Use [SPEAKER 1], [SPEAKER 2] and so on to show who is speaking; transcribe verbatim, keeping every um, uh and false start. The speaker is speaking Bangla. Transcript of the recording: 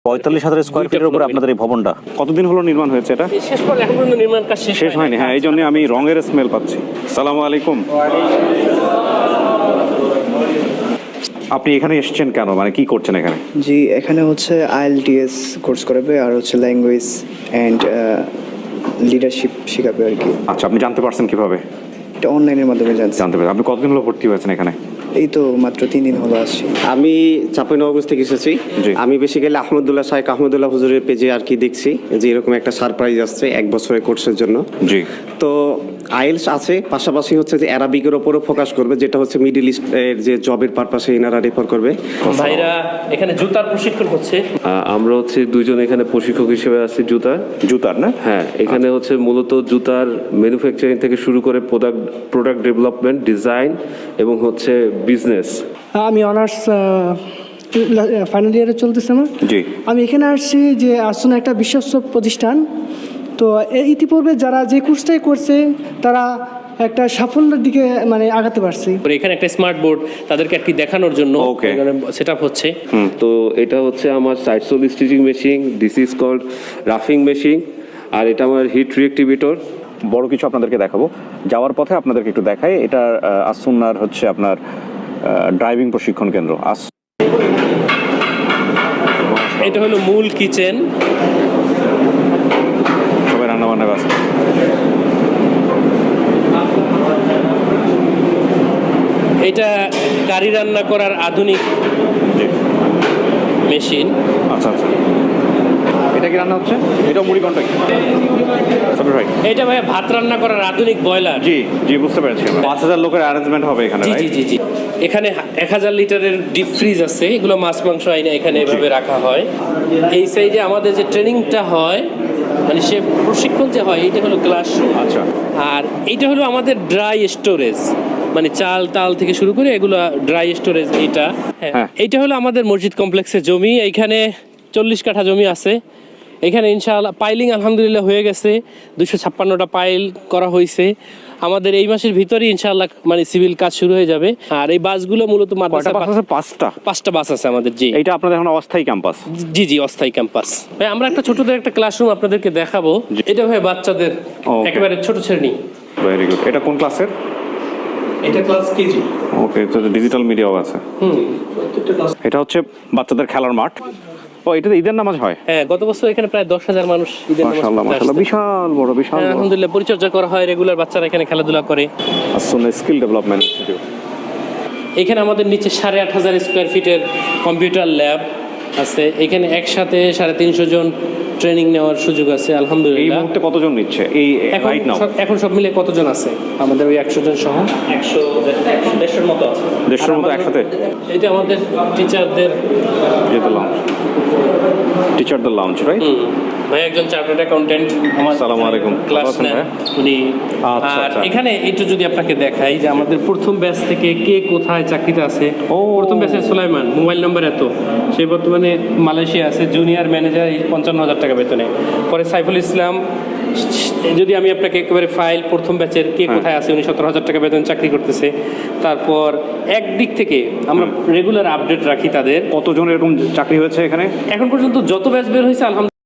[SPEAKER 1] পঁয়তাল্লিশ হাজার স্কোয়ার ফিটের উপরে আপনাদের এই ভবনটা কতদিন হলো নির্মাণ হয়েছে? এটা
[SPEAKER 2] শেষ পর্যন্ত এখন পর্যন্ত নির্মাণ কাজ
[SPEAKER 1] শেষ হয়নি। হ্যাঁ, এই জন্য আমি রঙের স্মেল পাচ্ছি। সালামু আলাইকুম। আপনি এখানে এসেছেন কেন, মানে কি করছেন এখানে?
[SPEAKER 3] জি, এখানে হচ্ছে আইএলটিএস কোর্স করাবে আর হচ্ছে ল্যাঙ্গুয়েজ অ্যান্ড লিডারশিপ শেখাবে আর কি।
[SPEAKER 1] আচ্ছা, আপনি জানতে পারছেন কিভাবে?
[SPEAKER 3] এটা অনলাইনের মাধ্যমে জানছি।
[SPEAKER 1] জানতে পারছেন। আপনি কতদিন হলো ভর্তি হয়েছেন এখানে?
[SPEAKER 3] এই তো মাত্র তিন দিন হলো আসছি।
[SPEAKER 4] আমি চাঁপাইনবাবগঞ্জ থেকে এসেছি।
[SPEAKER 1] জি।
[SPEAKER 4] আমি বেসিক্যালি আহমদুল্লাহ শাহেক আহমদুল্লাহ হুজুরের পেজে আর কি দেখছি যে এরকম একটা সারপ্রাইজ আসছে এক বছরের কোর্সের জন্য।
[SPEAKER 1] জি।
[SPEAKER 4] তো আইএলস আছে, পাশাপাশি হচ্ছে যে অ্যারাবিকের ওপরও ফোকাস করবে, যেটা হচ্ছে মিডল ইস্টের যে জবের পারপাসে এনারা রেফার করবে।
[SPEAKER 2] ভাইরা এখানে জুতার প্রশিক্ষণ হচ্ছে।
[SPEAKER 5] আহ, আমরা হচ্ছে দুইজন এখানে প্রশিক্ষক হিসেবে আছি জুতার।
[SPEAKER 1] জুতার না?
[SPEAKER 5] হ্যাঁ, এখানে হচ্ছে মূলত জুতার ম্যানুফ্যাকচারিং থেকে শুরু করে প্রোডাক্ট প্রোডাক্ট ডেভেলপমেন্ট, ডিজাইন এবং হচ্ছে বিজনেস।
[SPEAKER 6] আমি অনার্স ফাইনাল ইয়ারে চলতেছে আমার।
[SPEAKER 1] জি।
[SPEAKER 6] আমি এখানে আসছি যে আসলে একটা বিশ্বস্ত প্রতিষ্ঠান। তো এই ইতিপূর্বে যারা যে কোর্সটাই করছে তারা একটা সাফল্যের দিকে মানে আগাতে পারছে।
[SPEAKER 2] এখানে একটা স্মার্ট বোর্ড তাদেরকে আর কি দেখানোর জন্য
[SPEAKER 1] Okay.
[SPEAKER 2] সেট আপ হচ্ছে।
[SPEAKER 5] তো এটা হচ্ছে আমার side sole stitching machine, this is called রাফিং মেশিন, আর এটা আমার হিট রিঅ্যাক্টিভেটর।
[SPEAKER 1] বড় কিছু আপনাদেরকে দেখাবো। যাওয়ার পথে আপনাদেরকে একটু দেখাই, এটা আসুন্নার হচ্ছে আপনার ড্রাইভিং প্রশিক্ষণ কেন্দ্র। আস
[SPEAKER 2] এটা হলো মূল কিচেন।
[SPEAKER 1] সবাই রান্না বান্না ব্যস্ত।
[SPEAKER 2] এটা কারি রান্না করার আধুনিক
[SPEAKER 1] জি।
[SPEAKER 2] মেশিন।
[SPEAKER 1] আচ্ছা আচ্ছা, এটা কি রান্না হচ্ছে? এটা মুড়ি কন্টাক্ট ভাই।
[SPEAKER 2] এটা ভাই ভাত রান্না করার আধুনিক বয়লার।
[SPEAKER 1] জি জি, বুঝতে পেরেছি। পাঁচ হাজার লোকের অ্যারেঞ্জমেন্ট হবে এখানে,
[SPEAKER 2] জি জি
[SPEAKER 1] right?
[SPEAKER 2] জি জি এখানে এক হাজার লিটারের ডিপ ফ্রিজ আছে, এগুলো মাছ মাংস আইনে এখানে এভাবে রাখা হয়। এই সাইডে আমাদের যে ট্রেনিংটা হয়, মানে সে প্রশিক্ষণ যে হয়, এটা হলো ক্লাসরুম।
[SPEAKER 1] আচ্ছা।
[SPEAKER 2] আর এইটা হলো আমাদের ড্রাই স্টোরেজ, মানে চাল তাল থেকে শুরু করে এগুলো ড্রাই স্টোরেজ। এইটা
[SPEAKER 1] হ্যাঁ।
[SPEAKER 2] হ্যাঁ, এইটা হলো আমাদের মসজিদ কমপ্লেক্সের জমি। এইখানে চল্লিশ কাঠা জমি আছে। এখানে ইনশাআল্লাহ পাইলিং আলহামদুলিল্লাহ হয়ে গেছে, দুশো ছাপ্পান্নটা পাইল করা হয়েছে। আমাদের এই মাসের ভিতরেই ইনশাআল্লাহ মানে সিভিল কাজ শুরু হয়ে যাবে। আর এই বাসগুলো মূলত মাদ্রাসা
[SPEAKER 1] বাস আছে? পাঁচটা।
[SPEAKER 2] পাঁচটা বাস আছে আমাদের। জি,
[SPEAKER 1] এইটা আপনাদের এখন অস্থায়ী ক্যাম্পাস?
[SPEAKER 2] জি জি অস্থায়ী ক্যাম্পাস। ভাই আমরা একটা ছোটদের একটা ক্লাসরুম আপনাদেরকে দেখাবো। এটা ভাই বাচ্চাদের
[SPEAKER 1] Okay.
[SPEAKER 2] একেবারে ছোট শ্রেণী।
[SPEAKER 1] Very good. এটা কোন ক্লাসের?
[SPEAKER 2] এটা ক্লাস কেজি।
[SPEAKER 1] ওকে, তো ডিজিটাল মিডিয়াও আছে।
[SPEAKER 2] হুম,
[SPEAKER 1] এটা হচ্ছে বাচ্চাদের খেলার মাঠ। ও, এটাতে ঈদের নামাজ হয়?
[SPEAKER 2] হ্যাঁ, গত বছর এখানে প্রায় দশ হাজার মানুষ ঈদের নামাজ
[SPEAKER 1] মাশাআল্লাহ
[SPEAKER 2] পড়তে
[SPEAKER 1] মাশাআল্লাহ,
[SPEAKER 2] আসছে।
[SPEAKER 1] বিশাল বড় বিশাল
[SPEAKER 2] হ্যাঁ,
[SPEAKER 1] বড়।
[SPEAKER 2] আলহামদুলিল্লাহ পরিচর্যা করা হয়, রেগুলার বাচ্চারা এখানে খেলাধুলা করে।
[SPEAKER 1] আসুন স্কিল ডেভেলপমেন্ট ইনস্টিটিউট।
[SPEAKER 2] এখানে আমাদের নিচে সাড়ে আট হাজার স্কোয়ার ফিটের কম্পিউটার ল্যাব আছে। এখানে একসাথে সাড়ে তিনশো জন ট্রেনিং নেওয়ার সুযোগ আছে
[SPEAKER 1] এই
[SPEAKER 2] আলহামদুলিল্লাহ।
[SPEAKER 1] মুহূর্তে কতজন নিচ্ছে এই
[SPEAKER 2] এখন
[SPEAKER 1] রাইট নাও?
[SPEAKER 2] সব- এখন সব মিলে কতজন আছে আমাদের? ওই একশো জন সহ একশো দেড়শোর মতো আছে।
[SPEAKER 1] দেড়শোর মতো একসাথে?
[SPEAKER 2] এটা আমাদের টিচারদের
[SPEAKER 1] যেতে লাউঞ্জ, টিচারদের লাউঞ্জ, রাইট?
[SPEAKER 2] ভাই একজন চার্টার্ড অ্যাকাউন্টেন্ট আমার
[SPEAKER 1] আসসালামু আলাইকুম।
[SPEAKER 2] ক্লাস
[SPEAKER 1] ভালো আছেন
[SPEAKER 2] নেন
[SPEAKER 1] ভাই?
[SPEAKER 2] উনি।
[SPEAKER 1] আচ্ছা,
[SPEAKER 2] আর
[SPEAKER 1] আচ্ছা।
[SPEAKER 2] এখানে একটু যদি আপনাকে দেখাই যে আমাদের প্রথম ব্যাচ থেকে কে কোথায় চাকরিতে আছে।
[SPEAKER 1] ও।
[SPEAKER 2] প্রথম ব্যাচে সুলাইমান, মোবাইল নাম্বার এত, সে বর্তমানে মালয়েশিয়া আছে, জুনিয়র ম্যানেজার, পঞ্চান্ন হাজার টাকা বেতনে। পরে সাইফুল ইসলাম, যদি আমি আপনাকে একেবারে ফাইল প্রথম ব্যাচের কে কোথায় আছে, উনি সতেরো হাজার টাকা বেতন চাকরি করতেছে। তারপর একদিক থেকে আমরা রেগুলার আপডেট রাখি তাদের।
[SPEAKER 1] কতজন এরকম চাকরি হয়েছে এখানে
[SPEAKER 2] এখন পর্যন্ত যত ব্যাচ বের হয়েছে আলহামদুলিল্লাহ